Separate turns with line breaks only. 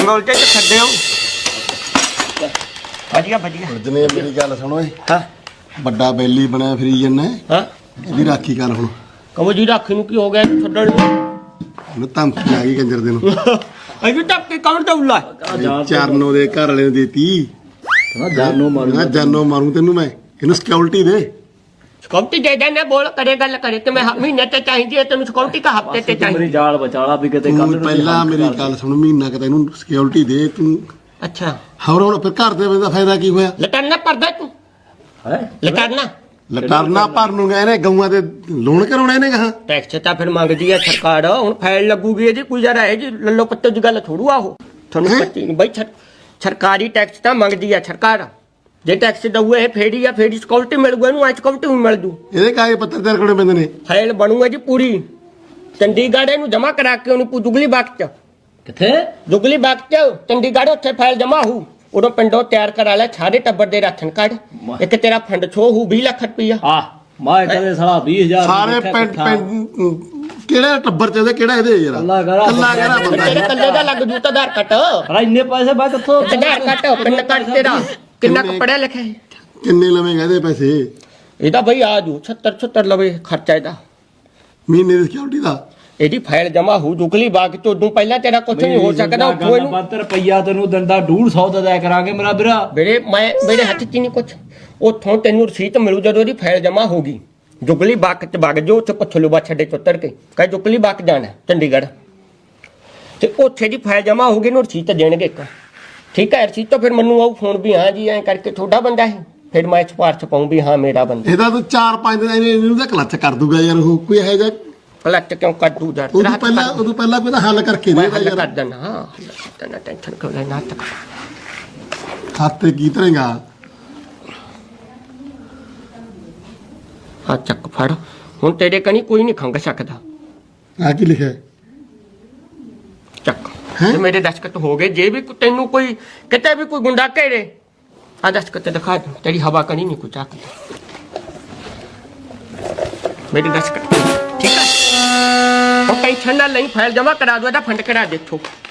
Mongol से छड्डे हो बढ़िया बढ़िया
जने मेरी गल सुनो
हाँ
बड़ा बैली बनया फिरी जन्ना
हाँ
ਇਹਦੀ ਰਾਖੀ ਕਰ ਹੁਣ
कहो जी राखी ਨੂੰ ਕੀ ਹੋ ਗਿਆ ਛੱਡਣ ਨੂੰ
ਉਹਨੂੰ ਧਮਕੀ ਆ ਗਈ ਕੰਜਰ ਦੇ ਨੂੰ
ਅਜੀ ਤੱਕ ਕੀ ਕੌਣ ਦਊਲਾ
ਚਰਨੋ ਦੇ ਘਰ ਵਾਲੇ ਨੂੰ ਦੇਤੀ
ਕਹਿੰਦਾ ਜਾਨੋ ਮਾਰੂ
ਮੈਂ ਜਾਨੋ ਮਾਰੂ ਤੈਨੂੰ ਮੈਂ ਇਹਨੂੰ ਸਿਕਿਉਰਿਟੀ ਦੇ
ਸਿਕਿਉਰਿਟੀ ਦੇ ਦੇਣਾ ਬੋਲ ਕਰੇ ਗੱਲ ਕਰੇ ਤੇ ਮੈਂ ਮਹੀਨੇ ਤੇ ਚਾਹੀਦੀ ਹੈ ਤੈਨੂੰ ਸਿਕਿਉਰਿਟੀ ਕਾ ਹਫਤੇ ਤੇ
ਮੇਰੀ
ਚਾਹੀਦੀ
ਜਾਲ ਬਚਾਲਾ ਵੀ ਕਿਤੇ
ਤੂੰ ਪਹਿਲਾਂ ਮੇਰੀ ਗੱਲ ਸੁਣ ਮਹੀਨਾ ਕਿ ਤੈਨੂੰ ਸਿਕਿਉਰਿਟੀ ਦੇ ਤੂੰ
ਅੱਛਾ
ਹੋਰ ਹੁਣ ਫਿਰ ਘਰ ਦੇ ਬੰਦਾ ਫਾਇਦਾ ਕੀ ਹੋਇਆ
ਲਟਰਨਾ ਪਰਦਾ ਤੂੰ
ਹੈ
ਲਟਰਨਾ
ਲਟਰਨਾ ਭਰਨ ਨੂੰ ਗਏ ਨੇ ਗਊਆਂ ਦੇ ਲੋਨ ਕਰਾਉਣਾ ਇਹਨੇ ਕਹਾ
ਟੈਕਸ ਤਾਂ ਫਿਰ ਮੰਗਦੀ ਹੈ ਸਰਕਾਰ ਹੁਣ ਫਾਈਲ ਲੱਗੂਗੀ ਇਹਦੀ ਕੋਈ ਜਰਾ ਇਹ ਜੀ ਲੱਲੋ ਪੱਤੇ ਦੀ ਗੱਲ ਥੋੜੂ ਆ ਉਹ ਤੁਹਾਨੂੰ ਪੱਤੀ ਨਹੀਂ ਬਈ ਸਰਕਾਰੀ ਟੈਕਸ ਤਾਂ ਮੰਗਦੀ ਹੈ ਸਰਕਾਰ ਜੇ ਟੈਕਸ ਦਊਏ ਇਹ ਫੇੜੀ ਆ ਫੇੜੀ ਸਿਕਿਉਰਿਟੀ ਮਿਲ ਗਈ ਇਹਨੂੰ ਸਿਕਿਉਰਿਟੀ ਵੀ ਮਿਲ ਜੂ
ਇਹਦੇ ਕਾਗਜ਼ ਪੱਤਰ ਤਿਆਰ ਕਰਨੇ ਪੈਂਦੇ ਨੇ
ਫਾਈਲ ਬਣੂਗਾ ਜੀ ਪੂਰੀ ਚੰਡੀਗੜ੍ਹ ਇਹਨੂੰ ਜਮਾ ਕਰਾ ਕੇ ਉਹਨੂੰ ਜੁਗਲੀ ਬਾਗ ਚ
ਕਿੱਥੇ
ਜੁਗਲੀ ਬਾਗ ਚ ਚੰਡੀਗੜ੍ਹ ਉੱਥੇ ਫਾਈਲ ਜਮਾ ਹੋਊ ਉਦੋਂ ਪਿੰਡੋਂ ਤਿਆਰ ਕਰਾ ਲੈ ਸਾਰੇ ਟੱਬਰ ਦੇ ਰਾਸ਼ਨ ਕਾਰਡ ਇੱਕ ਤੇਰਾ ਫੰਡ ਛੋ ਹੋਊ 20 ਲੱਖ ਰੁਪਈਆ
ਆ ਮੈਂ ਕਦੇ ਸਾਲਾ 20000
ਸਾਰੇ ਪਿੰਡ ਕਿਹੜਾ ਟੱਬਰ ਚ ਇਹਦੇ ਕਿਹੜਾ ਇਹਦੇ ਯਾਰ
ਕੱਲਾ
ਕਿਹੜਾ ਬੰਦਾ
ਤੇਰੇ ਕੱਲੇ ਦਾ ਲੱਗ ਜੂ ਤਾਂ ਆਧਾਰ ਕੱਟ
ਅਰੇ ਇੰਨੇ ਪੈਸੇ ਮੈਂ ਕਿੱਥੋਂ
ਆਧਾਰ ਕੱਟ ਪਿੰਡ ਕੱਟ ਤੇਰਾ ਕਿੰਨਾ ਕੁ ਪੜਿਆ ਲਿਖਿਆ ਹੈ
ਕਿੰਨੇ ਲਵੇਂਗਾ ਇਹਦੇ ਪੈਸੇ
ਇਹਦਾ ਬਈ ਆ ਜੂ 76 ਲਵੇ ਖਰਚਾ ਇਹਦਾ
ਮਹੀਨੇ ਦੀ ਸਿਕਿਉਰਿਟੀ ਦਾ
ਇਹਦੀ ਫਾਈਲ ਜਮਾ ਹੋ ਜੁਗਲੀ ਬਾਗ ਤੋਂ ਉਦੋਂ ਪਹਿਲਾਂ ਤੇਰਾ ਕੁਝ ਨਹੀਂ ਹੋ ਸਕਦਾ ਉੱਥੋਂ ਇਹਨੂੰ
72 ਰੁਪਈਆ ਤੈਨੂੰ ਦਿੰਦਾ 150 ਦਾ ਦਿਆ ਕਰਾਂਗੇ ਮੇਰਾ ਵੀਰਾ
ਮੇਰੇ ਹੱਥ 'ਚ ਨਹੀਂ ਕੁਝ ਉੱਥੋਂ ਤੈਨੂੰ ਰਸੀਦ ਮਿਲੂ ਜਦੋਂ ਇਹਦੀ ਫਾਈਲ ਜਮਾ ਹੋਗੀ ਜੁਗਲੀ ਬਾਗ 'ਚ ਵਗ ਜੋ ਉੱਥੇ ਪੁੱਛ ਲੂ ਬਾ ਛੱਡੇ ਚੁੱਤਰ ਕੇ ਕਹੇ ਜੁਗਲੀ ਬਾਗ ਜਾਣਾ ਚੰਡੀਗੜ੍ਹ ਤੇ ਉੱਥੇ ਦੀ ਫਾਈਲ ਜਮਾ ਹੋਗੀ ਨੂੰ ਰਸੀਦ ਦੇਣਗੇ ਇੱਕ ਠੀਕ ਹੈ ਰਸੀਦ ਤੋਂ ਫਿਰ ਮੈਨੂੰ ਆਉ ਫੋਨ ਵੀ ਹਾਂ ਜੀ ਐਂ ਕਰਕੇ ਤੁਹਾਡਾ ਬੰਦਾ ਹੈ ਫਿਰ ਮੈਂ ਸਿਫਾਰਸ਼ ਪਾਉਂ ਵੀ ਹਾਂ ਮੇਰਾ ਬੰਦਾ
ਇਹਦਾ ਤਾਂ 4-5 ਦਿਨ ਇਹਨੂੰ ਤਾਂ ਕਲੱਚ ਕਰ ਦੂਗਾ ਯਾਰ ਉਹ ਕੋਈ ਇਹੋ ਜਿਹਾ
ਕਲੱਚ ਕਿਉਂ ਕੱਢੂ ਯਾਰ
ਉਦੋਂ ਪਹਿਲਾਂ ਕੋਈ ਤਾਂ ਹੱਲ ਕਰਕੇ
ਮੈਂ
ਦੇ
ਹੱਲ
ਯਾਰ
ਕਰ ਦੇਣਾ ਹਾਂ ਤੈਨੂੰ ਟੈਨਸ਼ਨ ਕਿਉਂ ਲੈਣਾ ਤੱਕ
ਖਾਤੇ ਕੀ ਤਰੇਗਾ
ਹਾਂ ਚੱਕ ਫੜ ਹੁਣ ਤੇਰੇ ਕਣੀ ਕੋਈ ਨਹੀਂ ਖੰਗ ਸਕਦਾ
ਆ ਕੀ ਲਿਖਿਆ
ਚੱਕ ਤੇ ਮੇਰੇ ਦਸਖਤ ਹੋ ਗਏ ਜੇ ਵੀ ਤੈਨੂੰ ਕੋਈ ਕਿਤੇ ਵੀ ਕੋਈ ਗੁੰਡਾ ਘੇਰੇ ਆ ਦਸਖਤ ਦਿਖਾ ਦੇ ਤੇਰੀ ਹਵਾ ਕਣੀ ਨਹੀਂ ਕੋਈ ਚੱਕਦਾ ਮੇਰੇ ਦਸਖਤ ਠੀਕ ਹੈ ਉਹ ਟੈਨਸ਼ਨ ਨਾ ਲਈ ਫਾਈਲ ਜਮਾ ਕਰਾ ਦੋ ਇਹਦਾ ਫੰਡ ਕਰਾ ਦੇ ਇੱਥੋਂ